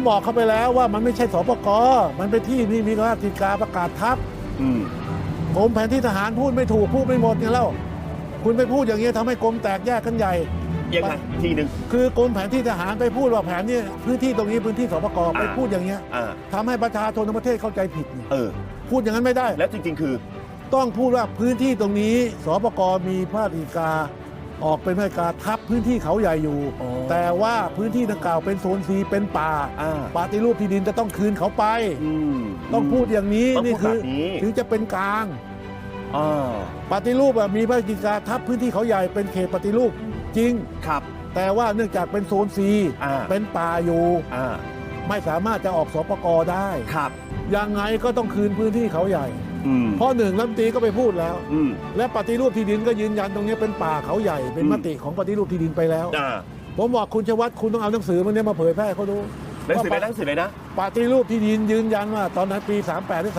บอกเขาไปแล้วว่ามันไม่ใช่สปก.มันเป็นที่นี่มีราชกิจการประกาศทัพกรมแผนที่ทหารพูดไม่ถูกพูดไม่หมดเนี่ยแล้วคุณไปพูดอย่างนี้ทำให้กรมแตกแยกกันใหญ่ยังไงทีหนึ่งคือกรมแผนที่ทหารไปพูดว่าแผนนี้พื้นที่ตรงนี้พื้นที่สปก.ไปพูดอย่างเงี้ยทำให้ประชาชนทั้งประเทศเข้าใจผิดพูดอย่างนั้นไม่ได้แล้วจริงๆคือต้องพูดว่าพื้นที่ตรงนี้สปก.มีพระราชกิจการออกเป็นพระราชกิจการทับพื้นที่เขาใหญ่อยู่แต่ว่าพื้นที่ดังกล่าวเป็นโซนซีเป็นป่าปฏิรูปที่ดินจะต้องคืนเขาไปต้องพูดอย่างนี้นี่คือถึงจะเป็นกลางปฏิรูปมีพระราชกิจการทับพื้นที่เขาใหญ่เป็นเขตปฏิรูปจริงครับแต่ว่าเนื่องจากเป็นโซนซีเป็นป่าอยู่ไม่สามารถจะออกสปก.ได้ครับยังไงก็ต้องคืนพื้นที่เขาใหญ่เพราะหนึ่งรัฐมนตรีก็ไปพูดแล้วและปฏิรูปที่ดินก็ยืนยันตรงนี้เป็นป่าเขาใหญ่เป็นมติของปฏิรูปที่ดินไปแล้วผมบอกคุณชวัฒน์คุณต้องเอาหนังสือมันนี้มาเผยแพร่เขาดูหนังสือเลยนะปฏิรูปที่ดินยืนยันว่าตอนนั้นปี38หรือ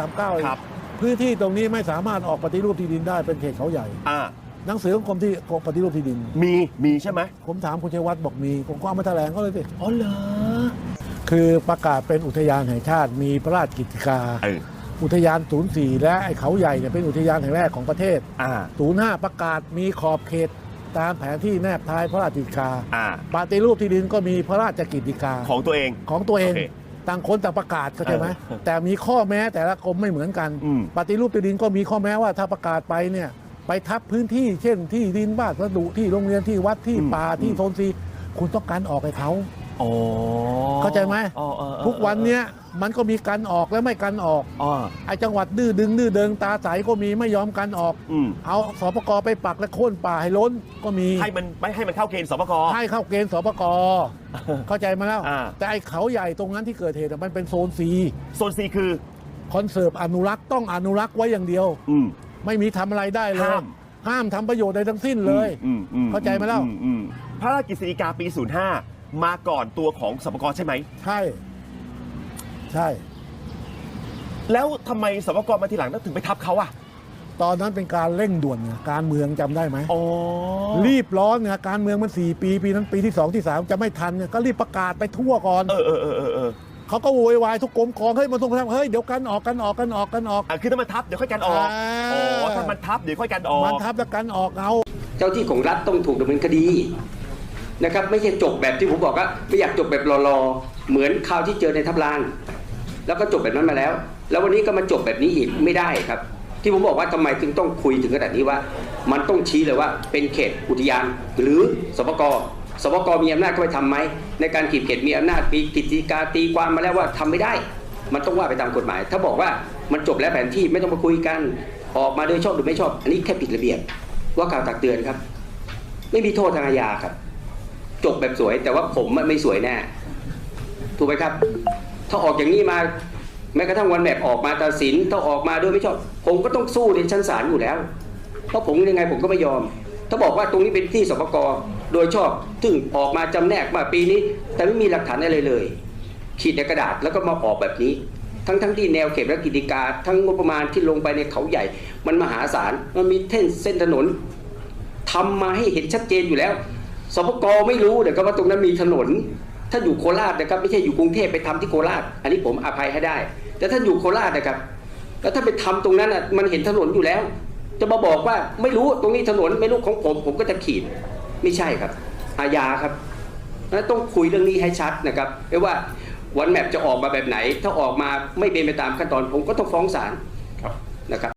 39พื้นที่ตรงนี้ไม่สามารถออกปฏิรูปที่ดินได้เป็นเขตเขาใหญ่หนังสือของกรมที่ปฏิรูปที่ดินมีใช่ไหมผมถามคุณชัยวัฒน์บอกมีผมก็เอามาแถลงเขาเลยสิอ๋อเหรอคือประกาศเป็นอุทยานแห่งชาติมีพระราชกิจการอุทยาน04และไอ้เขาใหญ่เนี่ยเป็นอุทยานแห่งแรกของประเทศ05ประกาศมีขอบเขตตามแผนที่แนบท้ายพระราชกิจการปฏิรูปที่ดินก็มีพระราชกิจการของตัวเองต่างคนต่างประกาศเข้าใจไหมแต่มีข้อแม้แต่ละกรมไม่เหมือนกันปฏิรูปที่ดินก็มีข้อแม้ว่าถ้าประกาศไปเนี่ยไปทับพื้นที่เช่นที่ดินบ้านวัสดุที่โรงเรียนที่วัดที่ป่าที่โซนซีคุณต้องการออกให้เขาเข้าใจไหมทุกวันเนี้ยมันก็มีการออกและไม่การออกไอ้จังหวัดดื้อเดิงตาใสก็มีไม่ยอมการออกเอาสปก.ไปปักและโค่นป่าให้ล้นก็มีให้มันเข้าเกณฑ์สปก. ให้เข้าเกณฑ์สปก.เข้าใจมาแล้วแต่ไอ้เขาใหญ่ตรงนั้นที่เกิดเหตุมันเป็นโซนซีคือคอนเซิร์ฟอนุรักษ์ต้องอนุรักษ์ไว้อย่างเดียวไม่มีทำอะไรได้เลยห้ามทำประโยชน์ใดทั้งสิ้นเลยเข้าใจมาแล้วพระราชกฤษฎีกาปี05มาก่อนตัวของสปก.ใช่ไหมใช่แล้วทำไมสปก.มาทีหลังถึงไปทับเขาอ่ะตอนนั้นเป็นการเร่งด่วนการเมืองจำได้ไหมรีบร้อนไงการเมืองมัน4 ปีนั้นปีที่2ที่3จะไม่ทันก็รีบประกาศไปทั่วก่อนเขาก็โวยวายทุกกรมกองเฮ้ยมันต้องทำเฮ้ยเดี๋ยวกันออกคือถ้ามันทับเดี๋ยวค่อยกันออกถ้ามันทับเดี๋ยวค่อยกันออกมันทับแล้วกันออกเอาเจ้าที่ของรัฐต้องถูกดำเนินคดีนะครับไม่ใช่จบแบบที่ผมบอกว่าไม่อยากจบแบบรอเหมือนคราวที่เจอในทับลานแล้วก็จบแบบนั้นมาแล้ววันนี้ก็มาจบแบบนี้อีกไม่ได้ครับที่ผมบอกว่าทำไมจึงต้องคุยถึงขนาดนี้ว่ามันต้องชี้เลยว่าเป็นเขตอุทยานหรือสปก.มีอำนาจเข้าไปทำไหมในการขีดเขตมีอำนาจมีกฤษฎีกาตีความมาแล้วว่าทำไม่ได้มันต้องว่าไปตามกฎหมายถ้าบอกว่ามันจบแล้วแผนที่ไม่ต้องมาคุยกันออกมาโดยชอบหรือไม่ชอบอันนี้แค่ผิดระเบียบว่ากล่าวตักเตือนครับไม่มีโทษทางอาญาครับจบแบบสวยแต่ว่าผมไม่สวยแน่ถูกไหมครับถ้าออกอย่างนี้มาแม้กระทั่งวันแบบออกมาตัดสินถ้าออกมาด้วยไม่ชอบผมก็ต้องสู้ในชั้นศาลอยู่แล้วเพราะผมยังไงผมก็ไม่ยอมถ้าบอกว่าตรงนี้เป็นที่สปก.โดยชอบซึ่งออกมาจำแนกมาปีนี้แต่ไม่มีหลักฐานอะไรเลยขีดในกระดาษแล้วก็มาออกแบบนี้ทั้งที่แนวเขตและกิจการทั้งงบประมาณที่ลงไปในเขาใหญ่มันมหาศาลมันมีเส้นถนนทำมาให้เห็นชัดเจนอยู่แล้วสปก.ไม่รู้แต่ก็ว่าตรงนั้นมีถนนถ้าอยู่โคราชนะครับไม่ใช่อยู่กรุงเทพไปทำที่โคราชอันนี้ผมอภัยให้ได้แต่ถ้าอยู่โคราชนะครับแล้วถ้าไปทำตรงนั้นอ่ะมันเห็นถนนอยู่แล้วจะมาบอกว่าไม่รู้ตรงนี้ถนนไม่รู้ของผมก็จะขีดไม่ใช่ครับอาญาครับต้องคุยเรื่องนี้ให้ชัดนะครับไม่ว่าวันแมปจะออกมาแบบไหนถ้าออกมาไม่เป็นไปตามขั้นตอนผมก็ต้องฟ้องศาลนะครับ